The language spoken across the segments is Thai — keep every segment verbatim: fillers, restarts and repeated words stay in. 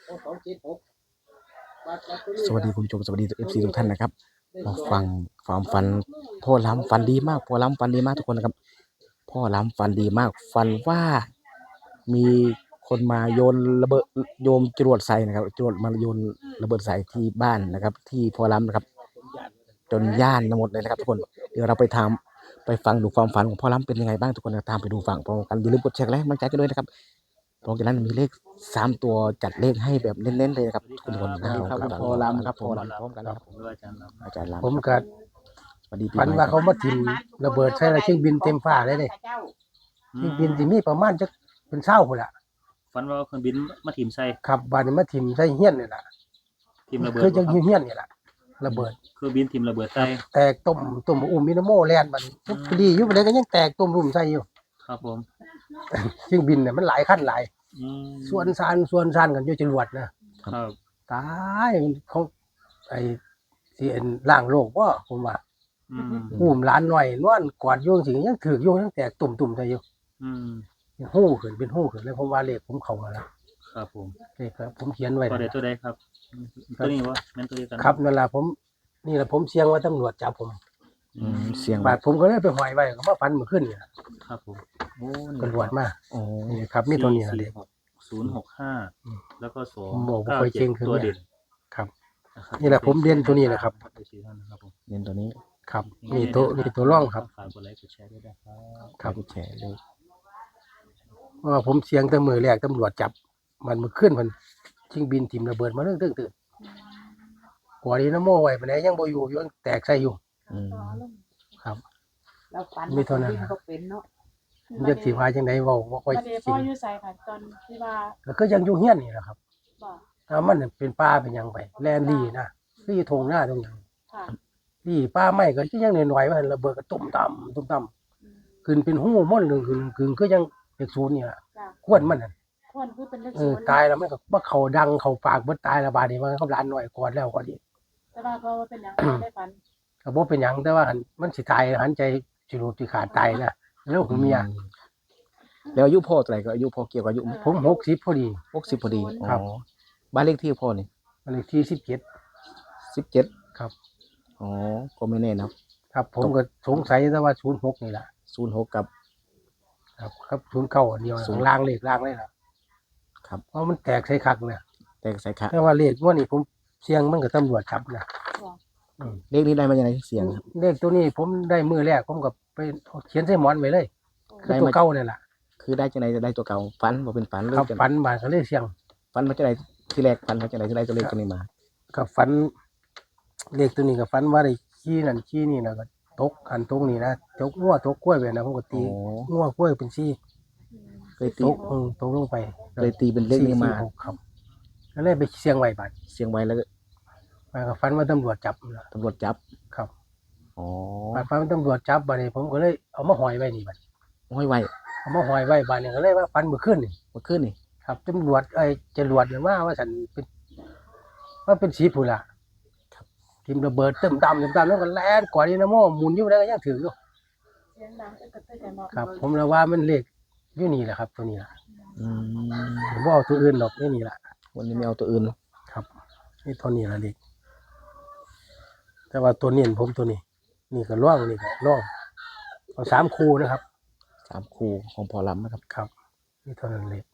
สวัสดีคุณผู้ชมสวัสดีเอฟซีทุกท่านนะครับมาฟังความฝันพ่อล้ำฝันดีมากพ่อล้ำฝันดีมากทุกคนนะครับพ่อล้ำฝันดีมากฝันว่ามีคนมาโยนระเบิดโยมจรวดใส่นะครับจรวดมาโยนระเบิดใส่ที่บ้านนะครับที่พ่อล้ำนะครับจนย่านหมดเลยนะครับทุกคนเดี๋ยวเราไปทำไปฟังดูความฝันของพ่อล้ำเป็นยังไงบ้างทุกคนตามไปดูฟังพร้อมกันอย่าลืมกดแชร์และกำลังใจกันด้วยนะครับเพราะฉะนั้นมีเลขสามตัวจัดเลขให้แบบเน้นๆเลยนะครับทุกคนนะครับพ่อล้ำครับผมพร้อมกันครับผมอาจารย์ล้ำผมก็ฝันว่าเขามาถิ่มระเบิดใส่เครื่องบินเต็มฟ้าเลยเด้เครื่องบินที่มีประมาณจะเป็นเช้าพุ่นล่ะฝันว่าเครื่องบินมาถิ่มใส่ครับบาดนี้มาถิ่มใส่เฮียนนี่ล่ะถิ่มระเบิดคือจังเฮียนนี่ล่ะระเบิดเครื่องบินถิ่มระเบิดใส่แตกตุ่มตุ่มอุ้มมินาโมแล่นบัดนี้พอดีอยู่บัดนี้ก็ยังแตกตุ่มรุ่มใส่อยู่ครับผมเครื่องบินเนี่ยมันหลายคันหลายส่วนซานส่วนซานกันอยู่จรวดนะครับตายมันเขาไอ้ที่เอ็นล่างโลกบ่ผมว่าอืมอุ้มหลานน้อยนอนกอดอยู่จังซี่ยังถูกอยู่ยังแตกตุ่มๆใส่อยู่อืมฮู้ขึ้นเป็นฮู้ขึ้นเลยผมว่าเลขผมเข้าแล้วล่ะครับผมเลขครับผมเขียนไว้ตัวใดตัวใดครับตัวนี้บ่แม่นตัวเดียวกันครับนั่นล่ะผมนี่ล่ะผมเสียงว่าตำรวจจับผมอืมเสียงบาดผมก็เลยไปห้อยไว้ก็มาฝันเมื่อคืนนี่ครับผมโอ้ตำรวจมาโอ้นี่ครับมีตัวนี้ล่ะเลขศูนย์หกห้าแล้วก็สองบอกบ่ค่อยเก่งขึ้นตัวเด่นครับนี่แหละผมเรียนตัวนี้แหละครับเรียนตัวนี้ครับนี่ตัวนี่ตัวร่องครับฝากกดไลค์กดแชร์ด้วยนะครับครับกดแชร์เลยเพราะว่าผมเสียงแต่มือแรกตำรวจจับมันเมื่อคืนมันชิงบินถิ่มระเบิดมาเรื่องตื่นๆหัวนี้น้ำโม่ไว้ปานใดยังบ่อยู่ยังแตกใส่อยู่อืมครับแล้วฝันมีเท่านั้นก็เป็นเนาะจักสิว่าจังได๋เว้าบ่ค่อยจริงอยู่ไสค่ะตอนที่ว่าก็คือยังอยู่เฮียนนี่แหละครับบ่ถ้ามันเป็นป่าเป็นหยังไปแลนดีนะคืออยู่ทงหน้าตรงนั้นค่ะนี่ป่าไม้ก็ยังน้อยๆว่าระเบิดก็ตุ่มต่ำตุ่มต่ำขึ้นเป็นหูม่อนนึงขึ้นขึ้นคือยังเลขศูนย์นี่ล่ะควรมันน่ะควรคือเป็นเลขเออศูนย์ตายแล้วมันก็บ่เข้าดังเข้าปากเบิดตายแล้วบาดนี้มันก็หลานน้อยกอดแล้วกอดอีกแต่ว่าก็เป็นหยังได้ฝันก็บ่เป็นหยังแต่ว่ามันสิตายหันใจสิรูปสิขาดตายนะแล้วหูเมียแล้วอายุพ่อเท่าไหร่ก็อายุพ่อเกี่ยวกับอายุผมหกสิบพอดีหกสิบพอดีครับบ้านเลขที่พ่อนี่บ้านเลขที่สิบเจ็ดสิบเจ็ดครับอ๋อก็ไม่แน่นะครับผมก็สงสัยแต่ว่าศูนย์หกนี่ล่ะศูนย์หกกับครับครับศูนย์เก้าอันเดียวข้างล่างเลขล่างเลยล่ะครับเพราะมันแตกใส่คักนะแตกใส่คักแต่ว่าเลขว่านี่ผมเสียงมันก็ตำรวจจับนะเลขนี้ได้มาจากไหนเสียงครับเลขตัวนี้ผมได้มื้อแรกผมก็ไปเขียนใส่หมอนไว้เลยคือตัวเก่านี่ล่ะคือได้จากไหนจะได้ตัวเก่าฝันบ่เป็นฝันครับฝันมาก็เลยเสียงฝันมาจากไหนที่แรกฝันมาจากไหนที่ได้ตัวเลขตัวนี้มาก็ฝันเลขตัวนี้ก็ฝันว่าได้ขี้นั่นขี้นี่นะก็ตกอันตรงนี้นะตกงัวตกกล้วยไปนะผมก็ตีงัวกล้วยเป็นซี่เคยตีตกเออตกลงไปเลยตีเป็นเลขนี้มาครับก็เลยไปเสียงไว้บัดเสียงไว้แล้วมาก็ฝันว่าตำรวจจับตำรวจจับครับอ๋อบัดฝันว่าตำรวจจับบัดนี้ผมก็เลยเอามาห้อยไว้นี่บัดห้อยไว้เอามาห้อยไว้บัดนี้ก็เลยว่าฝันเมื่อคืนนี่เมื่อคืนนี่ครับตำรวจไอ้จรวดเนี่ยว่าว่าฉันเป็นว่าเป็นสีผู้ล่ะครับทิ่มระเบิดเติมตำเติมตำแล้วก็แล่นกว่านี้นะโม่หมุนอยู่ได้ก็ยังถืออยู่เสียงดังกระตุ้นใจมากครับผมเลยว่ามันเลขอยู่นี่แหละครับตัวนี้ล่ะอืมผมบ่เอาตัวอื่นหรอกนี่นี่ล่ะวันนี้ไม่เอาตัวอื่นครับนี่ตัวนี้ล่ะเลขแต่ว่าตัวเน้นผมตัวนี้นี่ก็ร่องนี่ก็ร่องเอาสามคู่นะครับสามคู่ของพอล้ำนะครับครับนี่เท่านั้นเลย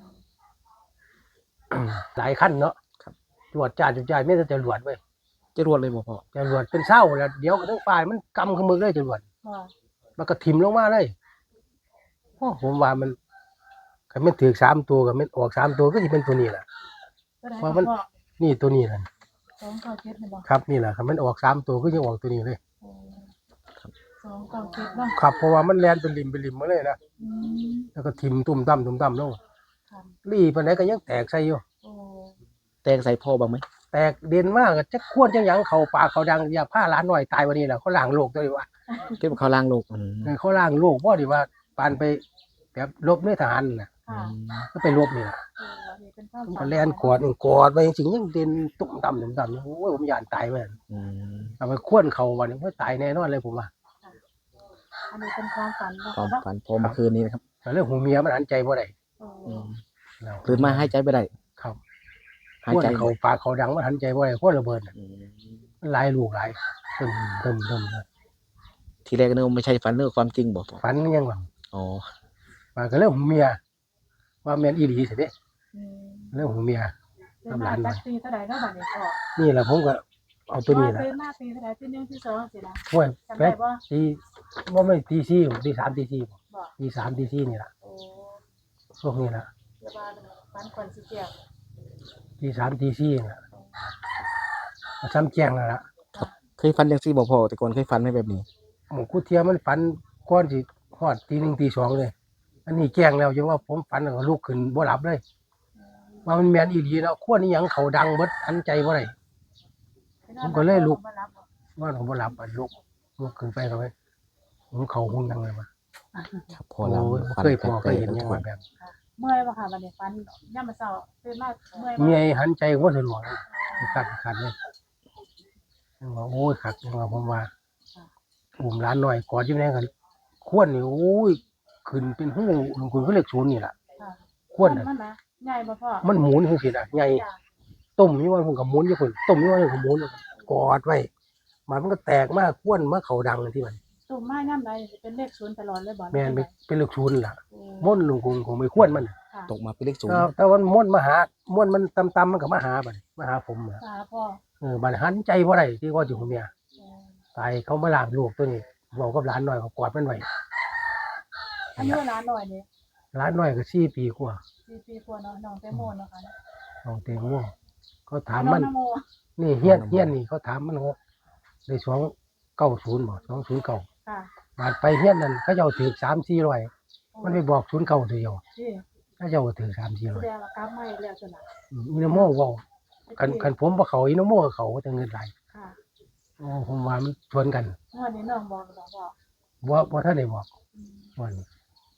หลายขั้นเนาะครับจวดจ้าจุดใจไม่ได้จะรวดเว้ยจะรวดเลยบ่พ่อจะรวดเป็นเศร้าแล้วเดี๋ยวก็ทั้งฝ่ายมันกำขมือเลยจะรวดมันก็ถิ่มลงมาเลยโอ้ผมว่ามันก็มันถือสามตัวก็มันออกสามตัวก็จะเป็นตัวนี้แหละเพราะมันนี่ตัวนี้แหละสองเก้าเจ็ดครับนี่แหละครับมันออกสามตัวก็ยังออกตัวนี้เลยสองเก้าเจ็ดเนาะครับเพราะว่ามันแลนเป็นริมเป็นริมมาเลยนะแล้วก็ถิ่มตุ่มต่ำตุ่มต่ำลงรีปานไหนก็ยังแตกใส่อยู่แตกใส่พ่อบ้างไหมแตกเด่นมากจะควรจังยังเขาปากเขาดังอย่าผ้าล้านหน่อยตายวันนี้แหละเขาล้างโลกตัวดีว่าเก็บเขาล้างโลกเขาล้างโลกเพราะดีว่าปานไปแบบลบในทหารน่ะก็ไปลบนี่แหละก็แล่นกอดกอดไปจริงๆยังเด่นตุ่มต่ำตุ่มต่ำโอ้ยผมยานตายไปเอาไปควนเขาวันนี้เขาตายแน่นอนเลยผมว่าอันนี้เป็นความฝันความฝันพอเมื่อคืนนี้นะครับเรื่องหูเมียมันหันใจบ่ได้ตื่นมาให้ใจไปได้ครับหายควนใจเขาปากเขาดังมันหันใจบ่ได้ควนระเบิดน่ะอืมมันหลายลูกหลายตึมตึมตึมเลยทีแรกนึกว่าไม่ใช่ฝันนึกว่าความจริงบอกพ่อฝันยังหวังอ๋อว่าก็เรื่องของเมียว่าแม่นอีหลีสิเด้อืมเรื่องของเมียเป็นมาจากตีเท่าไหร่แล้วบัดนี้พ่อนี่แหละผมก็เอาตัวนี้แหละเป็นมาตีเท่าไหร่ตีหนึ่งที่สองสิล่ะห้วยจำแป๊ได้ดบ่ตีว่าไม่ตีสี่ตีสามตีสี่บ่ตีสามตีสี่นี่แหละโอ้พวกนี้แหละเดี๋ยวว่าฟันก่อนสิเกี่ยวตีสามตีสี่นี่แหละเอาซ้ำแจ้งแล้วล่ะเคยฝันยังซี่บอกพ่อแต่ก่อนเคยฝันไหมแบบนี้หมูกูเทียมมันฝันก้อนสิฮอดตีหนึ่งตีสองเลย อันนี้แจ้งแล้วจังว่าผมฝันแล้วก็ลุกขึ้นบ่หลับเลย ว่ามันแม่นอีหลีแล้วควรอีหยังเขาดังเบิดหันใจบ่ได้ ผมก็เลยลุกบ่รับบ่ว่าผมบ่หลับอะลุกลุกขึ้นไปก็ไปผมเขาหุ่นยังเลยมาครับพ่อโอ้ลำยฝันเคยพอเคแปลยกเห็นๆยังทุกคว่าน แบบเมื่อยบ่ค่ะบัดนี้ฟันย่ามมื้อเช้าตื่นมาเมื่อยบ่เมียหันใจก็บ่สะดวกขัดขัดเลยยังว่าโอ้ยขัดยังว่าผมว่าอุ้มร้านหน่อยกอดอยู่ไหนกันควรนี่โอ้ยขึ้นเป็นหูลงคุณก็เลขศูนย์นี่ล่ะค่ะควรน่ะมันนะใหญ่บ่พ่อมันหมุนจังซี่น่ะใหญ่จ้ะต้มอยู่ว่าผมก็หมุนอยู่พุ่นต้มอยู่ว่าผมก็หมุนกอดไว้มันก็แตกมากควรมาเขาดังที่มันตุ่มไม้ย่ามใดสิเป็นเลขศูนย์ตลอดเลยบ่แม่นเป็นเป็นเลขศูนย์ล่ะโอ้ม่วนลงคงคงไม่ควรมันค่ะตกมาเป็นเลขศูนย์แต่แต่วันม่วนมาหาม่วนมันตำๆมันก็มาหาบัดนี้มาหาผมอะค่ะพ่อเออบัดหันใจบ่ได้ที่ก็อยู่กับเมียโอ้ตายเขามาล้างลูกตัวนี้บอกกับหลานน้อยก็กอดมันไว้อายุหลานหน่อยนี่หลานน้อยก็สี่ปีกว่าสี่ปีกว่าเนาะน้องแตงโมเนาะค่ะน้องเตงโมเขาถามน้อมังนนโมนี่เฮียนเฮียนนี่เขาถามมันว่าได้สองเก้าศูนย์บ่สองศูนย์เก้าค่ะบาดไปเฮียนนั่นเขาเจ้าถือสามสี่ร้อยมันไปบอกศูนย์เก้าตัวเดียวที่เขาเจ้าก็ถือสามสี่แสร้อยดงว่ากลับมาอีกแล้วจ้ะน่ะอืมอินโมเว้าคันคันผมบ่เขาอินโมก็เขาแต่เงินหลายค่ะโอ้ผมว่ามันชวนกันงวดนี้น้องบอกบอกบอกบ่บ่ทันได้บอกอืมวันนี้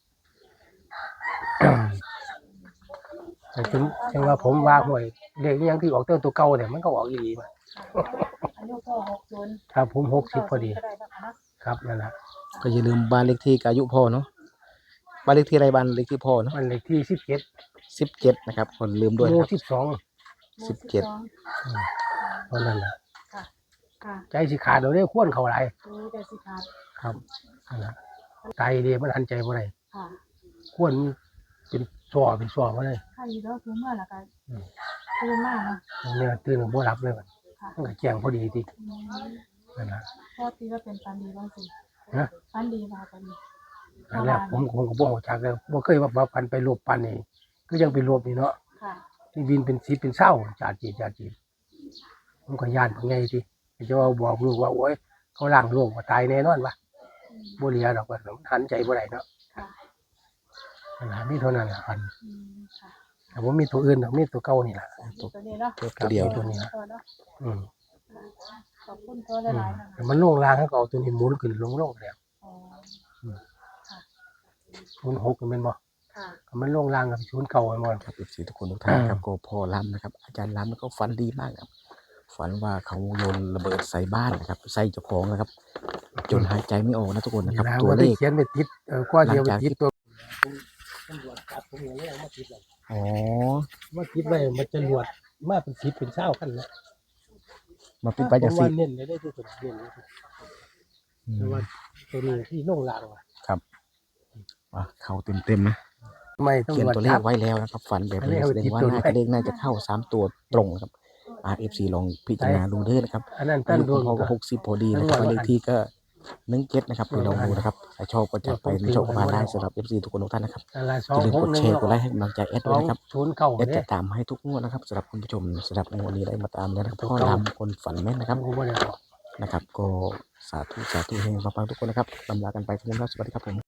แต่ถึงถึงว่าผมว่าห่วยเลขอิหยังที่ออกตัวตัวเก่าเนี่ยมันก็ออกอีหลีมาค่ะอายุพ่อหกศูนย์ถ้าผมหกสิบพอดีก็ได้นะคะเนาะครับนั่นล่ะก็อย่าลืมบ้านเลขที่กับอายุพ่อเนาะบ้านเลขที่อะไรบ้านเลขที่พ่อเนาะมันเลขที่สิบเจ็ดสิบเจ็ดนะครับคนลืมด้วยหมู่นะครับสิบสองสิบเจ็ดเท่านั้นล่ะค่ะค่ะใจสิขาดเดี๋ยวนี้ควรเข้าหลายดูแต่สิครับครับนั่นล่ะใจเดีมันหันใจบ่ได้ค่ะควรเป็นซ้อเป็นซ้อบ่ได้ถ้าอยู่แล้วคือเมื่อละกันอืมตื่นมาเนาะเนี่ยตื่นบ่หลับเลยบัดค่ะมันก็แจ้งพอดีติอืมนั่นล่ะพ่อตีว่าเป็นฟันดีบ้างสิฮะฟันดีมาฟันดีนั่นแหละผมผมก็บ่รู้จักแล้วบ่เคยว่าว่าปันไปรวบปันนี่ก็ยังไปรวบนี่เนาะค่ะนี่วินเป็นสิบเป็นเศร้าจาดจีจาดจีผมก็ย่านเป็นไงสิจะว่าบอกลูกว่าโอ้ยเขาล้างโลกว่าตายแน่นอนวะอืมบ่เหลียดอกว่ามันหันใจบ่ได้เนาะค่ะนั่นล่ะมีเท่านั้นล่ะพันอืมค่ะแต่บ่มีตัวอื่นดอกมีตัวเก่านี่ล่ะตัวตัวนี้เนาะตัวเดียวตัวนี้ตัวเนาะอืมขอบคุณตัวอืมหลายๆนะคะแต่มันลงล่างเขาก็เอาตัวนี้หมุนขึ้นลงลงแล้วอ๋อศูนย์หกแม่นบ่ค่ะก็มันลงล่างกับศูนย์เก่าแม่นบ่ครับเอฟซีทุกคนทุกท่านนะครับก็พ่อล้ำนะครับ อาจารย์ล้ำแล้วก็ฝันดีมากครับ ฝันว่าเขาโยนระเบิดใส่บ้านนะครับ ใส่เจ้าของนะครับ จนหายใจไม่ออกนะทุกคนนะครับแล้วตัวก็เลได้ขเขียนไปติดเออกว่าเดียวไปหลังจากที่ติดตัวตำรวจจับผมอย่างนี้เอามาติดไว้อ๋อมาติดไว้มันจะรวดมาเป็นสิบเป็นเศร้ากันนะมาปิดไปจากผมสิว่าเน้นได้ได้ที่สุดเน้นที่สุดอืแต่มว่าตัวนี้ที่ลงล่างว่ะครับอ่ะเขาเต็มเต็มๆนะไม่ต้องเขียนรวจตัวเลจัขบไว้แล้วนะครับ ฝันแบบอันนี้นี้เอาแสดงว่าติดตัวน่าไว้จะเลขน่าจะเข้าสามตัวตรงนะครับ อาร์เอฟซีลองพิจารณาดูเด้อนะครับอันนั้นอาตั้นยุดวงพ่อก็หกสิบพอดีนะครับบ้านเลขที่ก็หนึ่งเจ็ดนะครับไปลองดูนะครับถ้าชอบก็จัดไปไม่ชอบก็ผ่านได้สำหรับเอฟซีทุกคนทุกท่านนะครับอะไรสออง ย่าลืมหกกดหนึ่แชงร์กดไลค์ให้กำลังใจแอดสด้อวยงนะครับศูนย์เก้าแอดเนี่จะยตามให้ทุกงวดนะครับสำหรับคุณผู้ชมสำหรับงวดนี้ได้มาตามแล้วนะครับถูกพ่อต้องลำคนฝันแม่นนะครับผมก็ไม่ได้บอกนะครับ ก็สาธุสาธุเฮงปังๆทุกคนนะครับลำลากันไปทุกคนครับสวัสดีครับผม